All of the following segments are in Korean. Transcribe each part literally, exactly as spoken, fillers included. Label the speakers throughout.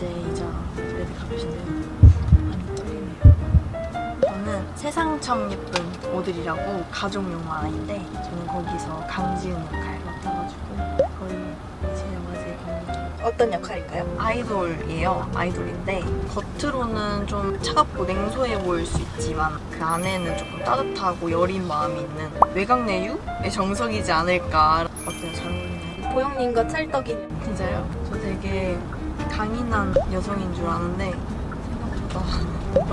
Speaker 1: 영화제이자 레드카펫인데요. 많이 떨리네요. 저는 세상 참 예쁜 오드리라고 가족 영화인데 저는 거기서 강지은 역할 맡아가지고 거의 제 영화제에 가는
Speaker 2: 어떤 역할일까요?
Speaker 1: 아이돌이에요. 아이돌인데 겉으로는 좀 차갑고 냉소해 보일 수 있지만 그 안에는 조금 따뜻하고 여린 마음이 있는 외곽내유의 정석이지 않을까. 어때요? 잘 어울리나요?
Speaker 2: 보영님과 찰떡인.
Speaker 1: 진짜요? 저 되게 강인한 여성인 줄 아는데 생각보다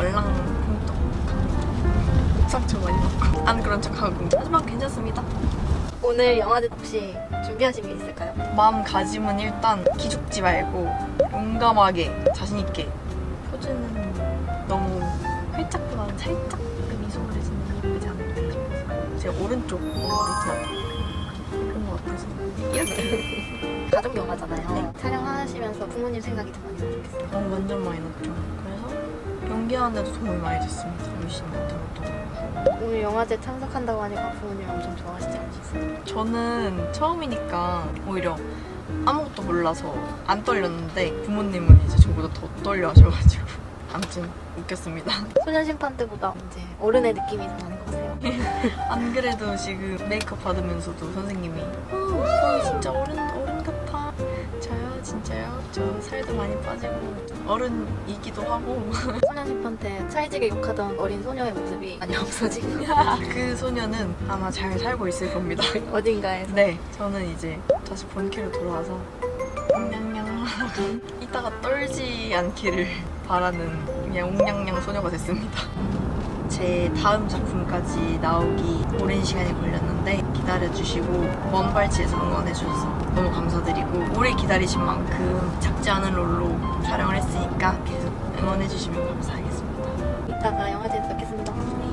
Speaker 1: 말랑통떡합니다. 상처 많이 받고 안 그런 척하고 하지만 괜찮습니다.
Speaker 2: 오늘 영화제 혹시 준비하신 게 있을까요?
Speaker 1: 마음가짐은 일단 기죽지 말고 용감하게 자신있게 포즈는 너무 활짝보다는 살짝 미소를 짓는 게 예쁘지 않을까 싶어서 제 오른쪽 노트 그런 것 같아서 이렇게
Speaker 2: 가족 영화잖아요. 네. 촬영하시면서 부모님 생각이 좀 많이 나셨겠어요.
Speaker 1: 어, 완전 많이 났죠. 그래서 연기하는데도 도움이 많이 됐습니다. 유신 같은 것도.
Speaker 2: 오늘 영화제 참석한다고 하니까 부모님 엄청 좋아하시지 않으셨어요?
Speaker 1: 저는 처음이니까 오히려 아무것도 몰라서 안 떨렸는데 부모님은 이제 저보다 더 떨려 하셔가지고 아무튼 웃겼습니다.
Speaker 2: 소년 심판 때보다 이제 어른의 느낌이 더 나는 것 같아요.
Speaker 1: 안 그래도 지금 메이크업 받으면서도 선생님이 어, 오빠 진짜 어른, 어른 같아. 저요? 진짜요? 저 살도 많이 빠지고 어른이기도 하고
Speaker 2: 소년 심판 때 찰지게 욕하던 어린 소녀의 모습이 많이 없어지고
Speaker 1: 그 소녀는 아마 잘 살고 있을 겁니다.
Speaker 2: 어딘가에서.
Speaker 1: 네, 저는 이제 다시 본캐로 돌아와서 옹냥냥 하다가 이따가 떨지 않기를 바라는 그냥 옹냥냥 소녀가 됐습니다. 제 다음 작품까지 나오기 오랜 시간이 걸렸는데 기다려주시고 먼 발치에서 응원해주셔서 너무 감사드리고 오래 기다리신 만큼 작지 않은 롤로 촬영을 했으니까 계속 응원해주시면 감사하겠습니다.
Speaker 2: 이따가 영화제에서 뵙겠습니다.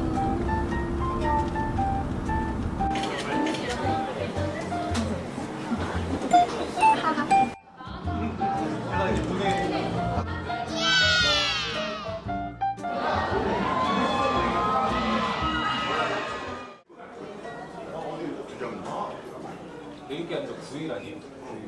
Speaker 3: 내게 아니라 구일 아니에요?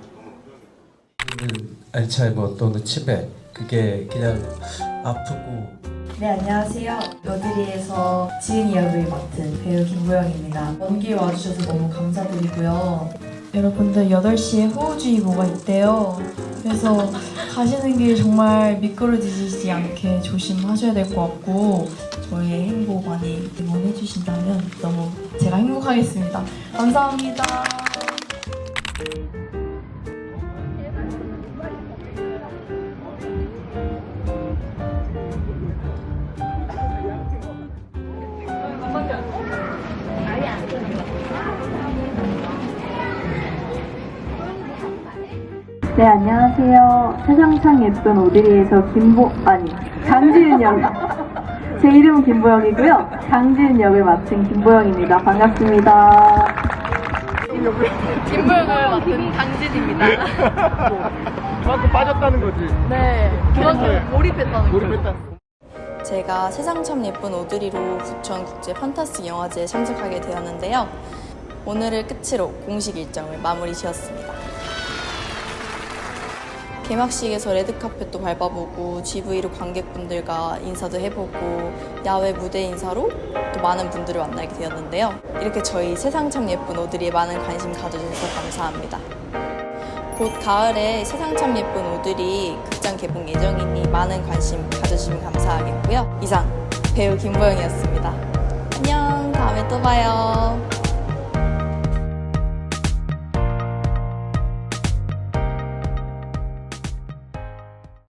Speaker 4: 알츠하이머 또는 치매 그게 그냥 아프고.
Speaker 5: 네, 안녕하세요. 여드리에서 지은이 역을 맡은 배우 김보영입니다. 먼 길 와주셔서 너무 감사드리고요. 여러분들 여덟 시에 호우주의보가 있대요. 그래서 가시는 길 정말 미끄러지지 않게 조심하셔야 될 것 같고 저희의 행복 많이 응원해 주신다면 너무 제가 행복하겠습니다. 감사합니다.
Speaker 6: 네, 안녕하세요. 세상 참 예쁜 오드리에서 김보, 아니, 장지은 역. 제 이름은 김보영이고요. 장지은 역을 맡은 김보영입니다. 반갑습니다.
Speaker 2: 김보영을 맡은 강진입니다.
Speaker 3: 그만큼 빠졌다는 거지.
Speaker 2: 네, 그만큼 몰입했다는 거죠.
Speaker 3: 몰입했다는 거.
Speaker 1: 제가 세상 참 예쁜 오드리로 부천 국제 판타스틱 영화제에 참석하게 되었는데요. 오늘을 끝으로 공식 일정을 마무리 지었습니다. 개막식에서 레드카펫도 밟아보고 지브이로 관객분들과 인사도 해보고 야외 무대 인사로 또 많은 분들을 만나게 되었는데요. 이렇게 저희 세상 참 예쁜 오드리에 많은 관심 가져주셔서 감사합니다. 곧 가을에 세상 참 예쁜 오드리 극장 개봉 예정이니 많은 관심 가져주시면 감사하겠고요. 이상 배우 김보영이었습니다. 안녕, 다음에 또 봐요.